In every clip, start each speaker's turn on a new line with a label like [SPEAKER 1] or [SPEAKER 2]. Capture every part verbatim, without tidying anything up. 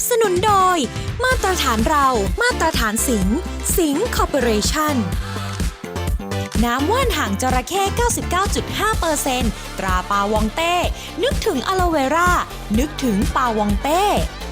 [SPEAKER 1] สนุนโดยมาตรฐานเรามาตรฐานสิงห์สิงห์คอร์ปอเรชั่นน้ำว่านหางจระเข้ เก้าสิบเก้าจุดห้าเปอร์เซ็นต์ ตราปาวองเต้นึกถึงอะโลเวรานึกถึงปาวองเต้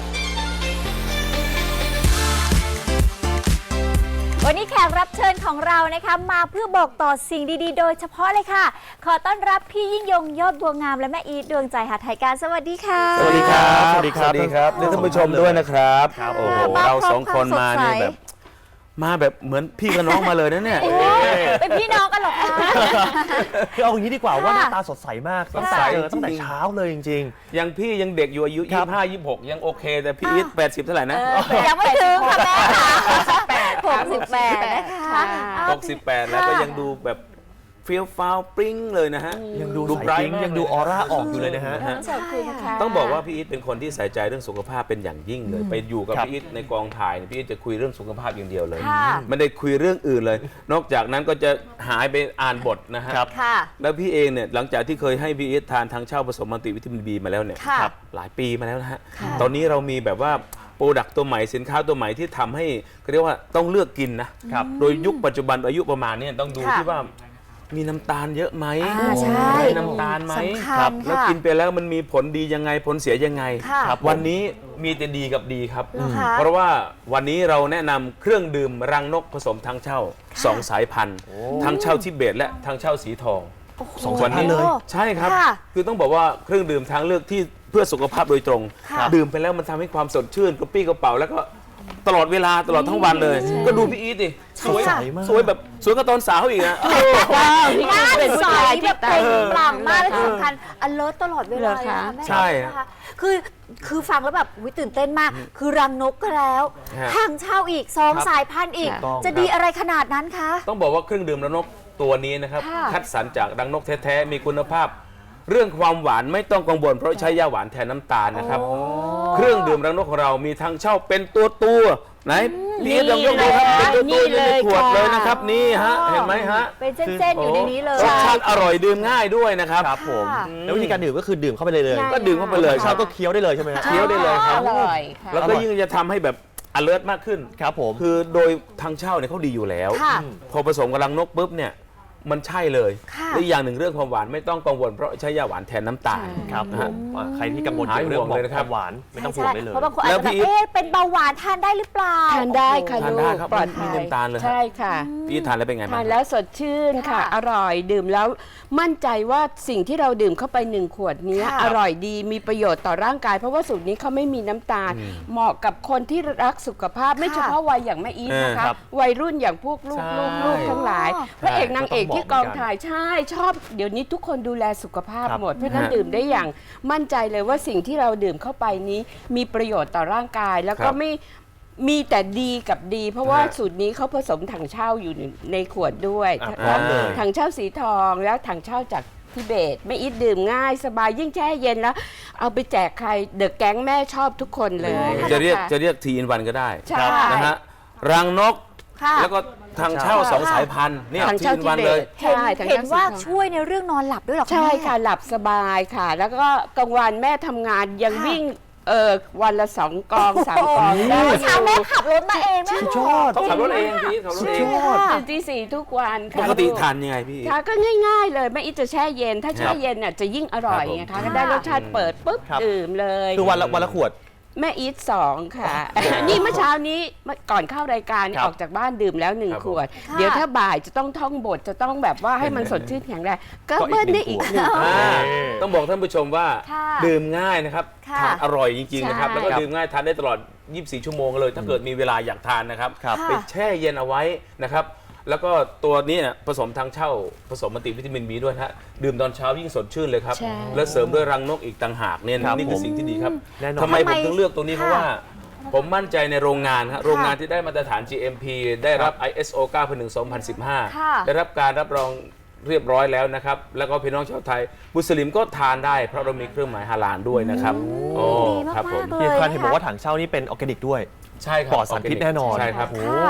[SPEAKER 2] วันนี้แขกรับเชิญของเรานะคะมาเพื่อบอกต่อสิ่งดีๆโดยเฉพาะเลยค่ะขอต้อนรับพี่ยิ่งยงยอดบัวงามและแม่อีทดวงใจหาไทยการสวัสดีค่ะ
[SPEAKER 3] สวัสดีครับสวัสดีครับสวัสดีครับท่านผู้ชมด้วยนะครับโอ้โหเราสองคนมาเนี่ยแบบมาแบบเหมือนพี่กับน้องมาเลยนะเนี่ย
[SPEAKER 2] เป็นพี่น้องกันหรอคะ
[SPEAKER 4] คือเอาอย่างนี้ดีกว่าว่าหน้าตาสดใสมากตั้งแต่ตั้งแต่เช้าเลยจริง
[SPEAKER 3] ๆยังพี่ยังเด็กอยู่อายุยี่สิบห้า ยี่สิบหกยังโอเคแต่พี่อีทแปดสิบเท่าไหร่นะ
[SPEAKER 2] ยังไม่ถึงค่ะแม่หกสิบแปดนะคะ
[SPEAKER 3] หกสิบแปดแล้วก็ยังดูแบบเฟี้ยวฟ้าวปริ้งเลยนะฮะ
[SPEAKER 4] ยังดูใสปิ๊งยังดูออร่าออกอยู่เลยนะฮะ
[SPEAKER 3] ต้องบอกว่าพี่อีทเป็นคนที่ใส่ใจเรื่องสุขภาพเป็นอย่างยิ่งเลยไปอยู่กับพี่อีทในกองถ่ายพี่อีทจะคุยเรื่องสุขภาพอย่างเดียวเลยไม่ได้คุยเรื่องอื่นเลยนอกจากนั้นก็จะหายไปอ่านบทนะฮะแล้วพี่เองเนี่ยหลังจากที่เคยให้พี่อีททานทางเช่าผสมมัลติวิตามินบีมาแล้วเนี่ยหลายปีมาแล้วนะฮะตอนนี้เรามีแบบว่าโปรดักต์ตัวใหม่สินค้าตัวใหม่ที่ทำให้เขาเรียกว่าต้องเลือกกินนะโดยยุคปัจจุบันอายุประมาณนี้ต้องดูที่ว่ามีน้ำตาลเยอะไหม
[SPEAKER 2] ใช่
[SPEAKER 3] น้ำตาลไหมครับแล้วกินไปแล้วมันมีผลดียังไงผลเสียยังไงครับวันนี้มีแต่ดีกับดีครับเพราะว่าวันนี้เราแนะนำเครื่องดื่มรังนกผสมทางเช่าสองสายพันธุ์ทางเช่าทิเบตและทางเช่าสีทอง
[SPEAKER 4] สองสายพันธุ์เลย
[SPEAKER 3] ใช่ครับคือต้องบอกว่าเครื่องดื่มทางเลือกที่เพื่อสุขภาพโดยตรงดื่มไปแล้วมันทำให้ความสดชื่นกระปี้กระเป๋าแล้วก็ตลอดเวลาตลอดทั้งวันเลยก็ดูพี่อีทดิสวยสวยแบบสวยกับตอนสาวอีกนะ
[SPEAKER 2] หน้าใสแบบเปล่งปลั่งมากและที่สำคัญอเลิร์ตตลอดเวลา
[SPEAKER 3] ใช่
[SPEAKER 2] คือคือฟังแล้วแบบตื่นเต้นมากคือรังนกก็แล้วทางเช่าอีกสองสายพันธุ์อีกจะดีอะไรขนาดนั้นคะ
[SPEAKER 3] ต้องบอกว่าเครื่องดื่มรังนกตัวนี้นะครับคัดสรรจากรังนกแท้ๆมีคุณภาพเรื่องความหวานไม่ต้องกังวลเพราะใช้ยาหวานแทนน้ำตาลนะครับเครื่องดื่มรังนกของเรามีทางเช่าเป็นตัวตัวไหนพี่ลองยกดูครับเป็นตัวตัวในขวดเลยนะครับนี่ฮะเห็นไหมฮะ
[SPEAKER 2] เป็นเส้นๆอยู่ในนี้เลย
[SPEAKER 3] รสชาติอร่อยดื่มง่ายด้วยนะครับ
[SPEAKER 4] ครับผมแล้ววิธีการดื่มก็คือดื่มเข้าไปเลยเลย
[SPEAKER 3] ก็ดื่มเข้าไปเลย
[SPEAKER 4] เช้าก็เคี้ยวได้เลยใช่ไหม
[SPEAKER 3] เคี้ยวได้เลยครับแล้วก็ยิ่งจะทำให้แบบ alert มากขึ้น
[SPEAKER 4] ครับผม
[SPEAKER 3] คือโดยทางเช่าเนี่ยเขาดีอยู่แล้วพอผสมกับรังนกปุ๊บเนี่ยมันใช่เลยและอย่างหนึ่งเรื่องความหวานไม่ต้องกังวลเพราะใช้ยาหวานแทนน้ำตาล
[SPEAKER 4] ครับใครที่กังวลเรื่องความหวานไม่ต้องห่วงได้เลย
[SPEAKER 2] เพราะบางคนอาจจะแบบเอ๊ะเป็นเบาหวานทานได้หรือเปล่า
[SPEAKER 5] ทานได้ค่ะลูก
[SPEAKER 3] ปลอดภัยมีน้ำตาลเลย
[SPEAKER 5] ใช่ค่ะ
[SPEAKER 3] พี่ทานแล้วเป็นไง
[SPEAKER 5] ทานแล้วสดชื่นค่ะอร่อยดื่มแล้วมั่นใจว่าสิ่งที่เราดื่มเข้าไปหนึ่งขวดนี้อร่อยดีมีประโยชน์ต่อร่างกายเพราะว่าสูตรนี้เขาไม่มีน้ำตาลเหมาะกับคนที่รักสุขภาพไม่เฉพาะวัยอย่างแม่อีทนะคะวัยรุ่นอย่างพวกลูกลูกทั้งหลายพระเอกนางเอกที่กองถ่ายใช่ชอบเดี๋ยวนี้ทุกคนดูแลสุขภาพหมดเพราะนั้นดื่มได้อย่างมั่นใจเลยว่าสิ่งที่เราดื่มเข้าไปนี้มีประโยชน์ต่อร่างกายแล้วก็ไม่มีแต่ดีกับดีเพราะว่าสูตรนี้เขาผสมถังเช่าอยู่ในขวดด้วยถังเช่าสีทองแล้วถังเช่าจากทิเบตไม่อิดดื่มง่ายสบายยิ่งแช่เย็นแล้วเอาไปแจกใครเดอะแก๊งแม่ชอบทุกคนเลย
[SPEAKER 3] จะเรียกจะเรียกทีอินวันก็ได้นะฮะรังนกแล้วก็ทางเช่าสองสายพันธุ์เนี่ยทีอินวันเลย
[SPEAKER 2] เห็นว่าช่วยในเรื่องนอนหลับด้วยหรอ
[SPEAKER 5] ใช่ค่ะหลับสบายค่ะแล้วก็กลางวันแม่ทำงานยังวิ่งเออวันละสองกองสามกอง
[SPEAKER 2] เมื่อเช้าแม่ขับรถมาเองแม่
[SPEAKER 4] ชอบ
[SPEAKER 3] ต้องขับรถเองพี่ขับรถเอง
[SPEAKER 5] ตื่นตีสี่ทุกวัน
[SPEAKER 3] ปกติทานยังไงพี่
[SPEAKER 5] ค่ะก็ง่ายๆเลยแม่อีจะแช่เย็นถ้าแช่เย็นเนี่ยจะยิ่งอร่อยไงคะก็ได้รสชาติเปิดปุ๊บดื่มเลย
[SPEAKER 4] คือวันละวันละขวด
[SPEAKER 5] แม่อีทสองค่ะนี่เมื่อเช้านี้ก่อนเข้ารายการออกจากบ้านดื่มแล้วหนึ่งขวดเดี๋ยวถ้าบ่ายจะต้องท่องบทจะต้องแบบว่าให้มันสดชื่นแข็งแรงก็เบิ้ลได้อีกหนึ่ง
[SPEAKER 3] ต้องบอกท่านผู้ชมว่าดื่มง่ายนะครับทานอร่อยจริงๆนะครับแล้วก็ดื่มง่ายทานได้ตลอดยี่สิบสี่ชั่วโมงเลยถ้าเกิดมีเวลาอยากทานนะครับไปแช่เย็นเอาไว้นะครับแล้วก็ตัวนี้ผสมทางเช่าผสมมัลติวิตามินบีด้วยฮะดื่มตอนเช้ายิ่งสดชื่นเลยครับแล้วเสริมด้วยรังนกอีกต่างหากเนี่ยนี่คือสิ่งที่ดีครับทำไมผมถึงเลือกตัวนี้เพราะว่าผมมั่นใจในโรงงานครับโรงงานที่ได้มาตรฐาน จี เอ็ม พี ได้รับ ไอ เอส โอ เก้าพันหนึ่ง สองพันสิบห้า ได้รับการรับรองเรียบร้อยแล้วนะครับแล้วก็พี่น้องชาวไทยมุสลิมก็ทานได้เพราะเรามีเครื่องหมายฮาลาลด้วยนะครับ
[SPEAKER 2] โอ้ดีมากๆเลย
[SPEAKER 4] พี่คันเห็นบอกว่าถังเช่านี่เป็นออร์แกนิกด้วย
[SPEAKER 3] ใช่ครับ
[SPEAKER 4] ปลอดสารพิษแน่นอน
[SPEAKER 3] ใช่ครับ
[SPEAKER 4] โอ้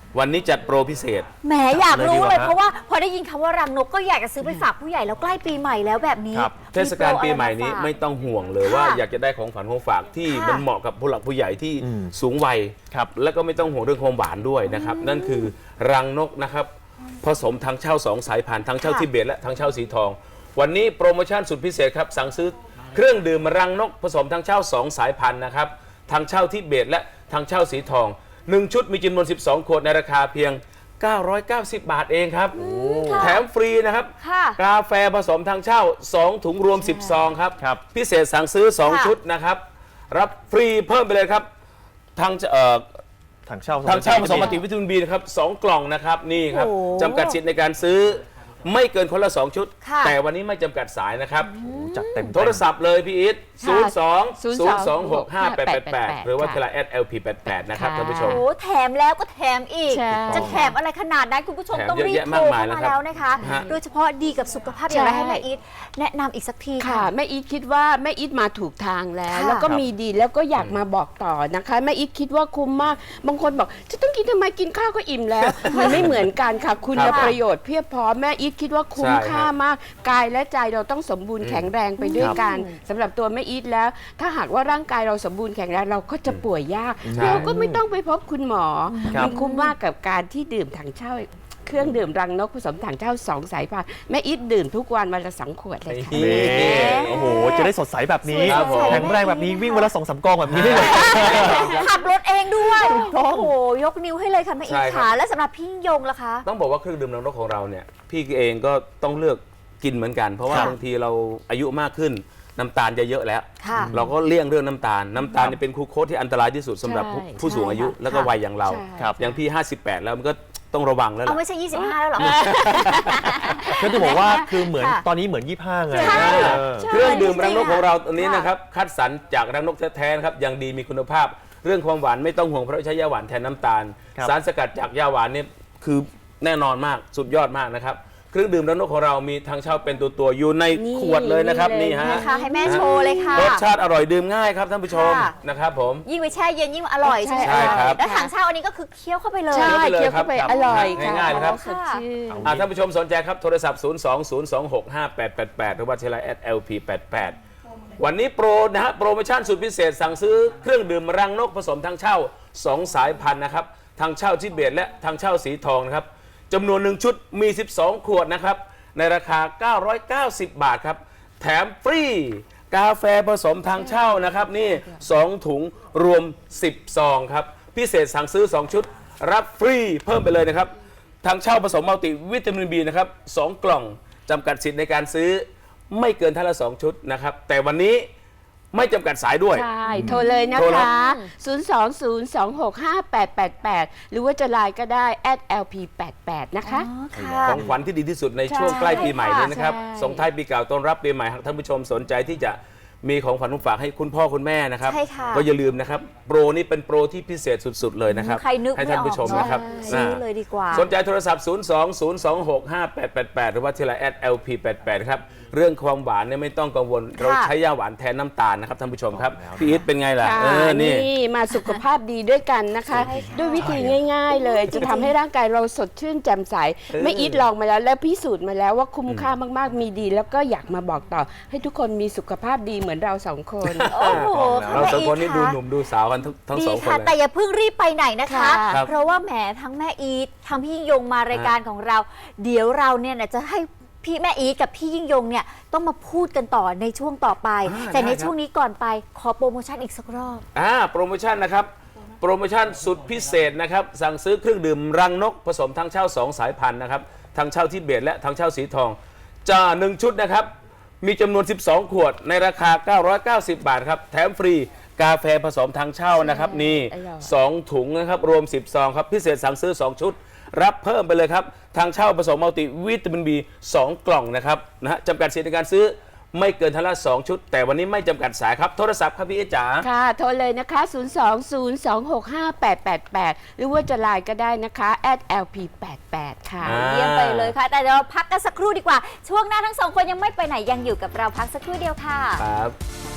[SPEAKER 3] วันนี้จัดโปรพิเศษ
[SPEAKER 2] แหมอยากรู้เลย
[SPEAKER 4] เลยดีกว่า
[SPEAKER 2] เพราะว่าพอได้ยินคำว่ารังนกก็อยากจะซื้อไปฝากผู้ใหญ่แล้วใกล้ปีใหม่แล้วแบบนี้
[SPEAKER 4] ครับ
[SPEAKER 3] เทศกาลปีใหม่นี้ไม่ต้องห่วงเลย
[SPEAKER 2] ค่ะ
[SPEAKER 3] ว่าอยากจะได้ของฝันของฝากที่
[SPEAKER 2] ค่ะ
[SPEAKER 3] มันเหมาะกับผู้หลักผู้ใหญ่ที่
[SPEAKER 4] อืม
[SPEAKER 3] สูงวัย
[SPEAKER 4] ครับ
[SPEAKER 3] แล้วก็ไม่ต้องห่วงเรื่องความหวานด้วยนะครับ นั่นคือรังนกนะครับผสมทางเช่าสองสายพันธุ์ทางเช่า
[SPEAKER 2] ค่ะ
[SPEAKER 3] ทิเบตและทางเช่าสีทอง วันนี้โปรโมชั่นสุดพิเศษครับสั่งซื้อเครื่องดื่มรังนกผสมทางเช่าสองสายพันธุ์นะครับทางเช่าทิเบตและทางเช่าสีทองหนึ่งชุดมีจำนวนสิบสองขวดในราคาเพียงเก้าร้อยเก้าสิบ บาทเองครับแถมฟรีนะครับ
[SPEAKER 2] ค่ะ
[SPEAKER 3] กาแฟผสมทางเช่า สอง ถุงรวม สิบ ซองครับ
[SPEAKER 4] ครับ
[SPEAKER 3] พิเศษสั่งซื้อ สอง
[SPEAKER 2] ค่ะ
[SPEAKER 3] ชุดนะครับ รับฟรีเพิ่มไปเลยครับ ทางเอ่อ
[SPEAKER 4] ถังเช่า
[SPEAKER 3] ทางเช่าผสมมัลติวิตามินบีนะครับสองกล่องนะครับ นี่ครับ
[SPEAKER 2] โอ้
[SPEAKER 3] จำกัดสิทธิ์ในการซื้อไม่เกินคนละ สอง ชุด
[SPEAKER 2] ค่ะ
[SPEAKER 3] แต่วันนี้ไม่จำกัดสายนะครับ
[SPEAKER 4] จัดเต็ม
[SPEAKER 3] โทรศัพท์เลยพี่อิทศูนย์สองศูนย์สองหกห้า
[SPEAKER 5] ค่ะ
[SPEAKER 3] แปดแปดแปดหรือว่าเทลาแอด แอล พี แปดแปดนะครับ
[SPEAKER 5] ค่ะ
[SPEAKER 3] ท่านผู้ชม
[SPEAKER 2] โอ้แถมแล้วก็แถมอีก
[SPEAKER 5] ใช่
[SPEAKER 2] จะแถมอะไรขนาดนั้นคุณผู้ชม
[SPEAKER 3] แถม
[SPEAKER 2] ต้องรีบ
[SPEAKER 3] เยอะแยะ
[SPEAKER 2] โทร
[SPEAKER 3] มากมาย
[SPEAKER 2] เข้า
[SPEAKER 3] แล้ว
[SPEAKER 2] มา
[SPEAKER 3] ครับ
[SPEAKER 2] แล้วนะคะ
[SPEAKER 3] ฮะ
[SPEAKER 2] โดยเฉพาะดีกับสุขภาพอย่างไร
[SPEAKER 5] ใช่
[SPEAKER 2] ให้แม่อีทแนะนำอีกสักที
[SPEAKER 5] ค่ะ
[SPEAKER 2] ค่ะ
[SPEAKER 5] แม่อีทคิดว่าแม่อีทมาถูกทางแล้ว
[SPEAKER 2] ค่ะ
[SPEAKER 5] แล้วก็มีดีแล้วก็อยากมาบอกต่อนะคะแม่อีทคิดว่าคุ้มมากบางคนบอกจะต้องกินทำไมกินข้าวก็อิ่มแล้ว มันไม่เหมือนกันค่ะ คุณ
[SPEAKER 3] ครับ
[SPEAKER 5] ประโยชน์เพียบพร้อมแม่อีทคิดว่าคุ้ม
[SPEAKER 3] ใช่
[SPEAKER 5] ค่ามากกายและใจเราต้องสมบูรณ์แข็งแรงไปด้วยกันสำหรับตัวแม่อีทแล้ว ถ้าหากว่าร่างกายเราสมบูรณ์แข็งแรงเราก็จะป่วยยาก
[SPEAKER 3] ใช่
[SPEAKER 5] เราก็ไม่ต้องไปพบคุณหมอ
[SPEAKER 4] ครับ
[SPEAKER 5] มันคุ้มมากกับการที่ดื่มถังเช่าเครื่องดื่มรังนกผสมถังเช่าสองสายพันธุ์แม่อีทดื่มทุกวันวันละสองขวดเลยค่ะ
[SPEAKER 4] นี่โอ้โห จะได้สดใสแบบนี้
[SPEAKER 3] ครับผม
[SPEAKER 4] แข็งแรงแบบนี้วิ่งวันละสองสามกองแบบนี้ได้เลย
[SPEAKER 2] ขับรถเองด้วย
[SPEAKER 4] ถูกต้อง
[SPEAKER 2] โอ้โหยกนิ้วให้เลยค่ะแม่อี
[SPEAKER 3] ใช่
[SPEAKER 2] ท
[SPEAKER 3] ครับ
[SPEAKER 2] ค่ะและสำหรับพี่ยิ่งยงล่ะคะ
[SPEAKER 3] ต้องบอกว่าเครื่องดื่มรังนกของเราเนี่ยพี่เองก็ต้องเลือกกินเหมือนกัน เพราะว่า
[SPEAKER 2] ค่ะ
[SPEAKER 3] บางทีเราอายุมากขึ้นน้ำตาลจะเยอะแล้ว
[SPEAKER 2] ค่ะ
[SPEAKER 3] เราก็เลี่ยงเรื่องน้ำตาล น้ำตาลเนี่ยเป็นคูโคสที่อันตรายที่สุดสำหรับผู้
[SPEAKER 5] ใช่
[SPEAKER 3] ผู้สูงอายุ
[SPEAKER 2] ใช่ค่ะ
[SPEAKER 3] แล้วก็วัยอย่างเรา
[SPEAKER 5] ใช่
[SPEAKER 4] ครับ
[SPEAKER 3] อย่างพี่ ห้าสิบแปด แล้วมันก็ต้องระวังแล้ว
[SPEAKER 2] เอา
[SPEAKER 3] ล่ะ
[SPEAKER 2] ไม่ใช่ยี่สิบห้าแล้วเหรอ
[SPEAKER 4] ก็จะบอกว่าคือเหมือน
[SPEAKER 2] ค่ะ
[SPEAKER 4] ตอนนี้เหมือนยี่ห้าไง
[SPEAKER 2] ใช่
[SPEAKER 4] เออ
[SPEAKER 3] เครื่องดื่มรังนกของเราตัวนี้
[SPEAKER 2] ค่ะ
[SPEAKER 3] นะครับคัดสรรจากรังนกแท้ๆนะครับยังดีมีคุณภาพ เรื่องความหวานไม่ต้องห่วงเพราะใช้ยาหวานแทนน้ำตาล
[SPEAKER 4] ครับ
[SPEAKER 3] สารสกัดจากยาหวานเนี่ยคือแน่นอนมากสุดยอดมากนะครับเครื่องดื่มรังนกของเรามีทางเช่าเป็นตัวตัวๆอยู่ใน
[SPEAKER 5] นี่
[SPEAKER 3] ขวดเลยนะครับ
[SPEAKER 5] นี่
[SPEAKER 3] นี่
[SPEAKER 5] เลย
[SPEAKER 3] ฮะ
[SPEAKER 2] นะคะให้แม่โชว์เลยค่ะ
[SPEAKER 3] รสชาติอร่อยดื่มง่ายครับท่านผู้ชม
[SPEAKER 2] ค่ะ
[SPEAKER 3] นะครับผม
[SPEAKER 2] ยิ่งไปแช่เย็นยิ่งอร่อยใช่ไหม
[SPEAKER 3] ใช่ครับ
[SPEAKER 2] แล้วถังเช่าอันนี้ก็คือเคี้ยวเข้าไปเลย
[SPEAKER 5] ใช่
[SPEAKER 3] เคี้
[SPEAKER 5] เคี้
[SPEAKER 3] ย
[SPEAKER 5] ยว ว
[SPEAKER 3] เข้า
[SPEAKER 5] เข้า
[SPEAKER 3] ไป
[SPEAKER 5] ไป
[SPEAKER 3] เลยครับ
[SPEAKER 5] อร่อยค่ะ
[SPEAKER 3] ง่ายๆเลยครับ
[SPEAKER 5] สดชื่น
[SPEAKER 3] อ่าท่านผู้ชมสนใจครับโทรศัพท์ ศูนย์ สอง ศูนย์ สอง หก ห้า แปด แปด แปด หรือว่าเทลาแอด แอล พี แปดแปด วันนี้โปรนะฮะโปรโมชั่นสุดพิเศษสั่งซื้อเครื่องดื่มรังนกผสมทางเช่าสองสายพันธุ์นะครับทางเช่าทิเบตและทางเช่าสีทองนะครับจำนวนหนึ่งชุดมี สิบสอง ขวดนะครับในราคา เก้าร้อยเก้าสิบ บาทครับแถมฟรีกาแฟผสมทางเช่านะครับนี่สองถุงรวมสิบซองครับพิเศษสั่งซื้อสองชุดรับฟรีเพิ่มไปเลยนะครับทางเช่าผสมมัลติวิตามินบีนะครับสองกล่องจำกัดสิทธิ์ในการซื้อไม่เกินท่านละสองชุดนะครับแต่วันนี้ไม่จำกัดสายด้วย
[SPEAKER 5] ใช่ โทรเลยนะ
[SPEAKER 3] โทรเลย
[SPEAKER 5] คะ ศูนย์ สอง ศูนย์ สอง หก ห้า แปด แปด แปด หรือว่าจะไลน์ก็ได้ แอด แอล พี แปดแปด นะคะ
[SPEAKER 2] อ๋อค่ะ
[SPEAKER 3] ของขวัญที่ดีที่สุดในช่วง
[SPEAKER 5] ใช่
[SPEAKER 3] ใกล้ปีใหม่เลยนะครับ
[SPEAKER 5] ใช่
[SPEAKER 3] ส่งท้ายปีเก่าต้อนรับปีใหม่หากท่านผู้ชมสนใจที่จะมีของขวัญของฝากให้คุณพ่อคุณแม่นะครับ
[SPEAKER 2] ใช่ค่ะ
[SPEAKER 3] ก็อย่าลืมนะครับโปรนี้เป็นโปรที่พิเศษสุดๆเลยนะครับ
[SPEAKER 2] ใครนึก
[SPEAKER 3] ให้
[SPEAKER 2] ไม่
[SPEAKER 3] ท่าน
[SPEAKER 2] ออก
[SPEAKER 3] ผู้ชม
[SPEAKER 2] เนอะ
[SPEAKER 3] นะครับ
[SPEAKER 2] ซื้อ
[SPEAKER 3] นะ
[SPEAKER 2] เลยดีกว่า
[SPEAKER 3] สนใจโทรศัพท์ ศูนย์ สอง ศูนย์ สอง หก ห้า แปด แปด แปด หรือว่าเทลาแอด แอล พี แปดแปด ครับเรื่องความหวานเนี่ยไม่ต้องกังวลเราใช้ยาหวานแทนน้ำตาลนะครับท่านผู้ชมครับพี่อีทเป็นไงล่ะ
[SPEAKER 5] ค่ะ
[SPEAKER 3] เออนี่
[SPEAKER 5] นี่มาสุขภาพดีด้วยกันนะคะ
[SPEAKER 2] ใช่ค่ะ
[SPEAKER 5] ด้วยวิธีง่าย ๆ เลย จะทำให้ร่างกายเราสดชื่นแจ่มใส ไม่อีทลองมาแล้วและพิสูจน์มาแล้วว่าคุ้มค่ามากๆ มีดี แล้วก็อยากมาบอกต่อ ให้ทุกคนมีสุขภาพดีเหมือนเราสองคน
[SPEAKER 2] โอ้โห
[SPEAKER 3] เราสองคนนี่
[SPEAKER 2] แม่
[SPEAKER 3] ดู
[SPEAKER 2] อีท
[SPEAKER 3] หนุ่มดูสาวกันทั้งทั้ง
[SPEAKER 2] ดี
[SPEAKER 3] สองคน
[SPEAKER 2] ค่ะ
[SPEAKER 3] เลย
[SPEAKER 2] แต่อย่าเพิ่งรีบไปไหนนะคะ
[SPEAKER 5] ครับ
[SPEAKER 2] เพราะว่าแหมทั้งแม่อีททั้งพี่ยิ่งยงมารายการของเรา เดี๋ยวเราเนี่ยนะจะให้พี่แม่อีทกับพี่ยิ่งยงเนี่ยต้องมาพูดกันต่อในช่วงต่อไป
[SPEAKER 3] อ่า
[SPEAKER 2] แต่ใน
[SPEAKER 3] ได้ครับ
[SPEAKER 2] ช่วงนี้ก่อนไปขอโปรโมชั่นอีกสักรอบ
[SPEAKER 3] อ่าโปรโมชั่นนะครับโปรโมชั่นสุดพิเศษนะครับสั่งซื้อเครื่องดื่มรังนกผสมทางเช่าสองสายพันธุ์นะครับทางเช่าทิเบตและทางเช่าสีทองจะหนึ่งชุดนะครับมีจำนวนสิบสองขวดในราคาเก้าร้อยเก้าสิบบาทครับแถมฟรีกาแฟผสมทางเช่านะครับนี่
[SPEAKER 5] อร่อย
[SPEAKER 3] สองถุงนะครับรวมสิบซองครับพิเศษสั่งซื้อสองชุดรับเพิ่มไปเลยครับทางเช่าผสมมัลติวิตามินบีสองกล่องนะครับนะฮะจำกัดสิทธิ์ในการซื้อไม่เกินทันละสองชุด แต่วันนี้ไม่จำกัดสายครับโทรศัพท์ครับพี่เอจ๋า
[SPEAKER 5] ค่ะ โทรเลยนะคะ ศูนย์ สอง ศูนย์ สอง หก ห้า แปด แปด แปด หรือว่าจะไลน์ก็ได้นะคะ แอด แอล พี แปดแปด ค่ะ
[SPEAKER 3] อ่า
[SPEAKER 2] เยี่ยมไปเลยค่ะ แต่เดี๋ยวเราพักกันสักครู่ดีกว่า ช่วงหน้าทั้งสองคนยังไม่ไปไหนยังอยู่กับเราพักสักครู่เดียวค่ะ
[SPEAKER 3] ครับ
[SPEAKER 2] ค